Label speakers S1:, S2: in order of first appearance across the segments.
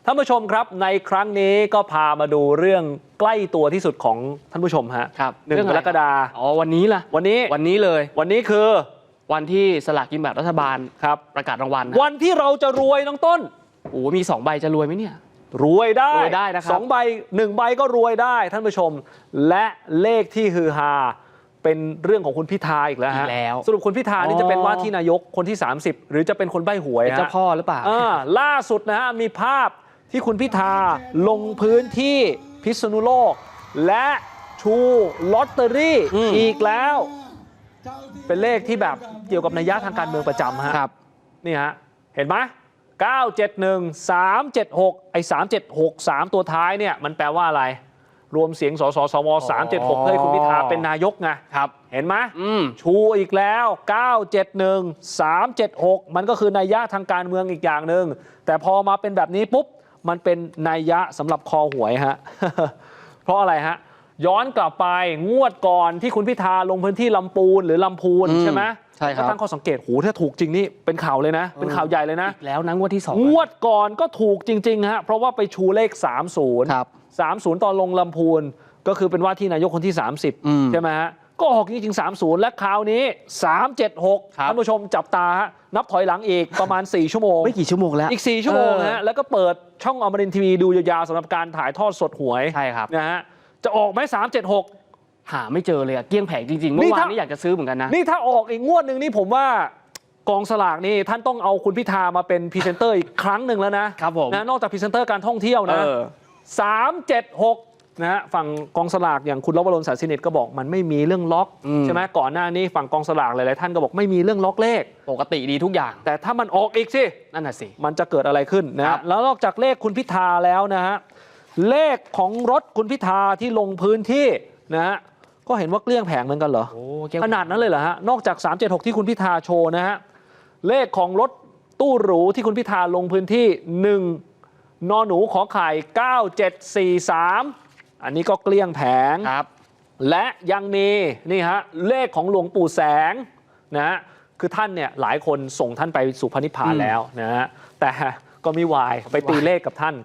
S1: ท่านผู้ชมครับในครั้งนี้ก็พามาดูเรื่องใกล้ตัวที่สุดของท่านผู้ชมฮะ
S2: ครับ
S1: 1 กรกฎาคม
S2: วันนี้ล่ะวันนี้เลย
S1: วันนี้คือ
S2: วันที่สลากกินแบ่งรัฐบาล
S1: ครับ
S2: ประกาศรางวัล
S1: วันที่เราจะรวยน้องต้น
S2: โอ้มี2 ใบจะรวยไหมเนี่ย
S1: รวยได้
S2: นะครับ
S1: 2 ใบ 1 ใบก็รวยได้ท่านผู้ชมและเลขที่ฮือฮาเป็นเรื่องของคุณพิธาอีกแล้วฮะสรุปคุณพิธานี่จะเป็นว่าที่นายกคนที่30หรือจะเป็นคนใบ้หวย
S2: เจ้าพ่อหรือเปล่า
S1: ล่าสุดนะฮะมีภาพที่คุณพิธาลงพื้นที่พิษณุโลกและชูลอตเตอรี่อีกแล้วเป็นเลขที่แบบเกี่ยวกับนัยยะทางการเมืองประจำฮะนี่ฮะเห็นไหม971 376ไอ้376 3ตัวท้ายเนี่ยมันแปลว่าอะไรรวมเสียงสสสว376เพื่อให้คุณพิธาเป็นนายกไงเห็นไหมชูอีกแล้ว971 376มันก็คือนัยยะทางการเมืองอีกอย่างหนึ่งแต่พอมาเป็นแบบนี้ปุ๊บมันเป็นนัยยะสำหรับคอหวยฮะ เพราะอะไรฮะย้อนกลับไปงวดก่อนที่คุณพิธาลงพื้นที่ลำปูนหรือลำพูนใช่ไหม
S2: ใช่ครับ
S1: ก็ตั้งข้อสังเกตโหถ้าถูกจริงนี่เป็นข่าวเลยนะเป็นข่าวใหญ่เลยนะ
S2: อีกแล้วนะงวดที่2
S1: งวดก่อนก็ถูกจริงๆฮะเพราะว่าไปชูเลข30
S2: ครับ
S1: 30ตอนลงลำพูนก็คือเป็นว่าที่นายกคนที่30ใช่ไหมฮะก็ออกจริงๆ30และคราวนี้376ท่านผู้ชมจับตาฮะนับถอยหลังอีกประมาณ4 ชั่วโมง
S2: ไม่กี่ชั่วโมงแล้ว
S1: อีก4 ชั่วโมงฮะแล้วก็เปิดช่องอมรินทร์ทีวีดูยาวๆสำหรับการถ่ายทอดสดหวย
S2: ใช่ครับ
S1: นะฮะจะออกไหม376
S2: หาไม่เจอเลยอะเกลี้ยงแผงจริงๆเมื่อวานนี้อยากจะซื้อเหมือนกันนะ
S1: นี่ถ้าออกอีกงวดหนึ่งนี่ผมว่ากองสลากนี่ท่านต้องเอาคุณพิธามาเป็นพรีเซนเตอร์อีกครั้งหนึ่งแล้วนะครับ
S2: ผม
S1: นะนอกจากพรีเซนเตอร์การท่องเที่ยวนะ376นะฮะฝั่งกองสลากอย่างคุณลวรน สารสินิตก็บอกมันไม่มีเรื่องล็อกใช่ไหมก่อนหน้านี้ฝั่งกองสลากหลายๆท่านก็บอกไม่มีเรื่องล็อกเลข
S2: ปกติดีทุกอย่าง
S1: แต่ถ้ามันออกอีกสิ
S2: นั่นน่ะสิ
S1: มันจะเกิดอะไรขึ้นนะแล้วนอกจากเลขคุณพิธาแล้วนะฮะเลขของรถคุณพิธาที่ลงพื้นที่นะฮะก็เห็นว่าเกลี้ยงแผงเหมือนกันเหรอขนาดนั้นเลยเหรอฮะนอกจาก376ที่คุณพิธาโชว์นะฮะเลขของรถตู้หรูที่คุณพิธาลงพื้นที่1นหนูขอไข่9743อันนี้ก็เกลี้ยงแผงและยังมีนี่ฮะเลขของหลวงปู่แสงนะฮะคือท่านเนี่ยหลายคนส่งท่านไปสู่พระนิพพานแล้วนะฮะแต่ก็มีวายไปตีเลขกับท่าน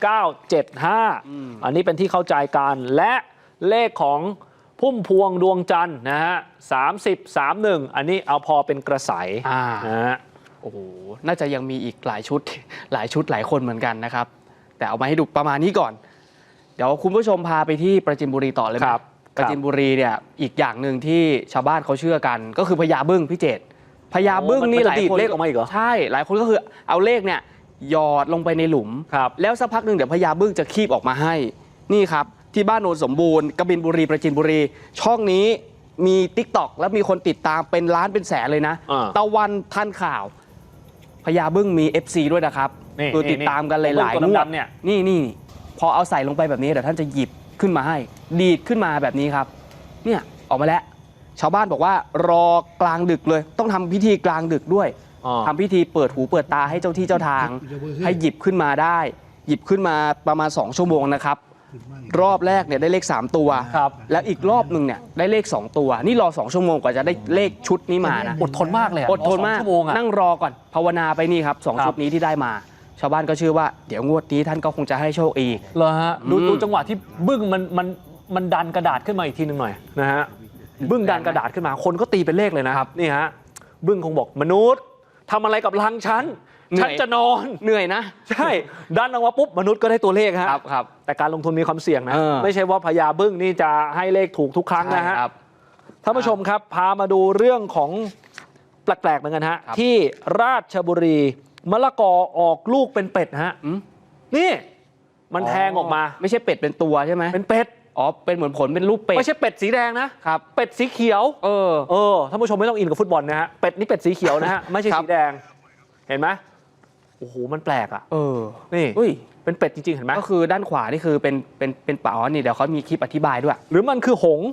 S1: 9975อันนี้เป็นที่เข้าใจกันและเลขของพุ่มพวงดวงจันทร์นะฮะ3031อันนี้เอาพอเป็นกระแสนะฮะ
S2: โอ้โหน่าจะยังมีอีกหลายชุดหลายคนเหมือนกันนะครับแต่เอามาให้ดูประมาณนี้ก่อนเดี๋ยวคุณผู้ชมพาไปที่ปราจีนบุรีต่อเลยครับปราจีนบุรีเนี่ยอีกอย่างหนึ่งที่ชาวบ้านเขาเชื่อกันก็คือพญาบึ้งพี่เจตพญาบึ้งนี่หลายคน
S1: เลขออกมาอีกเหรอ
S2: ใช่หลายคนก็คือเอาเลขเนี่ยหยอดลงไปในหลุมแล้วสักพักหนึ่งเดี๋ยวพญาบึ้งจะคีบออกมาให้นี่ครับที่บ้านโนนสมบูรณ์กบินบุรีปราจีนบุรีช่องนี้มี TikTok แล้วมีคนติดตามเป็นล้านเป็นแสนเลยนะตะวันทันข่าวพญาบึ้งมี FC ด้วยนะครับคือติดตามกันหลายๆงวดนี่พอเอาใส่ลงไปแบบนี้เดี๋ยวท่านจะหยิบขึ้นมาให้ดีดขึ้นมาแบบนี้ครับเนี่ยออกมาแล้วชาวบ้านบอกว่ารอกลางดึกเลยต้องทำพิธีกลางดึกด้วยทำพิธีเปิดหูเปิดตาให้เจ้าที่เจ้าทางให้หยิบขึ้นมาได้หยิบขึ้นมาประมาณ2 ชั่วโมงนะครับรอบแรกเนี่ยได้เลข3 ตัวแล้วอีกรอบหนึ่งเนี่ยได้เลข2 ตัวนี่รอ2 ชั่วโมงกว่าจะได้เลขชุดนี้มานะ
S1: อดทนมากเลย
S2: อดทนมากนั่งรอก่อนภาวนาไปนี่ครับ2 ชุดนี้ที่ได้มาชาวบ้านก็เชื่อว่าเดี๋ยวงวดนี้ท่านก็คงจะให้โชคอีก
S1: เหรอฮะดูจังหวะที่บึ้งมันดันกระดาษขึ้นมาอีกทีหนึ่งหน่อยนะฮะบึ้งดันกระดาษขึ้นมาคนก็ตีเป็นเลขเลยนะครับนี่ฮะบึ้งคงบอกมนุษย์ทำอะไรกับรังฉันจะนอน
S2: เหนื่อยนะ
S1: ใช่ดันออกมาปุ๊บมนุษย์ก็ได้ตัวเลขฮะ
S2: ครับ
S1: แต่การลงทุนมีความเสี่ยงนะไม่ใช่ว่าพญาบึ้งนี่จะให้เลขถูกทุกครั้งนะฮะท่านผู้ชมครับพามาดูเรื่องของแปลกๆเหมือนกันฮะที่ราชบุรีมะละกอออกลูกเป็นเป็ดฮะนี่มันแทงออกมา
S2: ไม่ใช่เป็ดเป็นตัวใช่ไหม
S1: เป็นเป็ด
S2: เป็นเหมือนผลเป็นรูปเป็ด
S1: ไม่ใช่เป็ดสีแดงนะครับเป็ดสีเขียวท่านผู้ชมไม่ต้องอินกับฟุตบอลนะฮะเป็ดนี่เป็ดสีเขียวนะฮะไม่ใช่สีแดงเห็นไหมโอ้โหมันแปลกอ่ะนี่เป็นเป็ดจริงๆเห็นไหม
S2: ก็คือด้านขวานี่คือเป็นเป๋านี่เดี๋ยวเขามีคลิปอธิบายด้วย
S1: หรือมันคือหง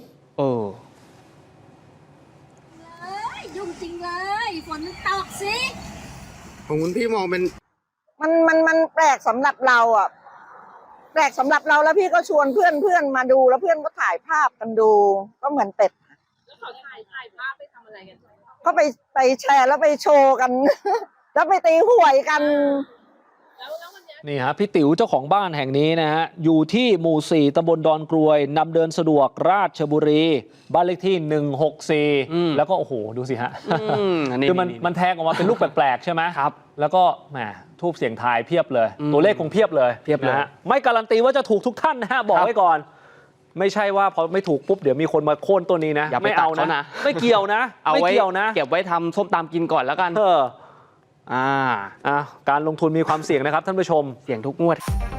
S3: ยุ่งจริงเลยฝนมันตกสิ
S4: ของคุณพี่มองเป็น
S3: มันแปลกสำหรับเราอ่ะแปลกสำหรับเราแล้วพี่ก็ชวนเพื่อนมาดูแล้วเพื่อนก็ถ่ายภาพกันดูก็เหมือนเป็ด
S5: แล้วเขาถ่ายภาพไปทำอะไรกัน
S3: ก็ไปแชร์แล้วไปโชว์กัน แล้วไปตีหวยกัน
S5: แล้ววันนี้
S1: นี่ฮะพี่ติ๋วเจ้าของบ้านแห่งนี้นะฮะอยู่ที่หมู่ 4ตำบลดอนกรวยนำเดินสะดวกราชบุรี บ้านเลขที่ 164 แล้วก็โอ้โหดูสิฮะคือมันแทงออกมาเป็นลูกแปลกๆใช่ไหมครับแล้วก็แหมทูบเสียงทายเพียบเลย ตัวเลขคงเพียบเลยนะฮะไม่การันตีว่าจะถูกทุกท่านนะฮะบอกไว้ก่อน ไม่ใช่ว่าพอไม่ถูกปุ๊บเดี๋ยวมีคนมาโค่นตัวนี้นะ
S2: อย่าไป
S1: ไม่เอา
S2: ตัดเขานะ
S1: ไม่เกี่ยวนะไม่เกี่ยวนะ
S2: เก็บไว้ทำส้มตำกินก่อนแล้วกันการลงทุนมีความเสี่ยงนะครับท่านผู้ชม
S1: เสี่ยงทุกงวด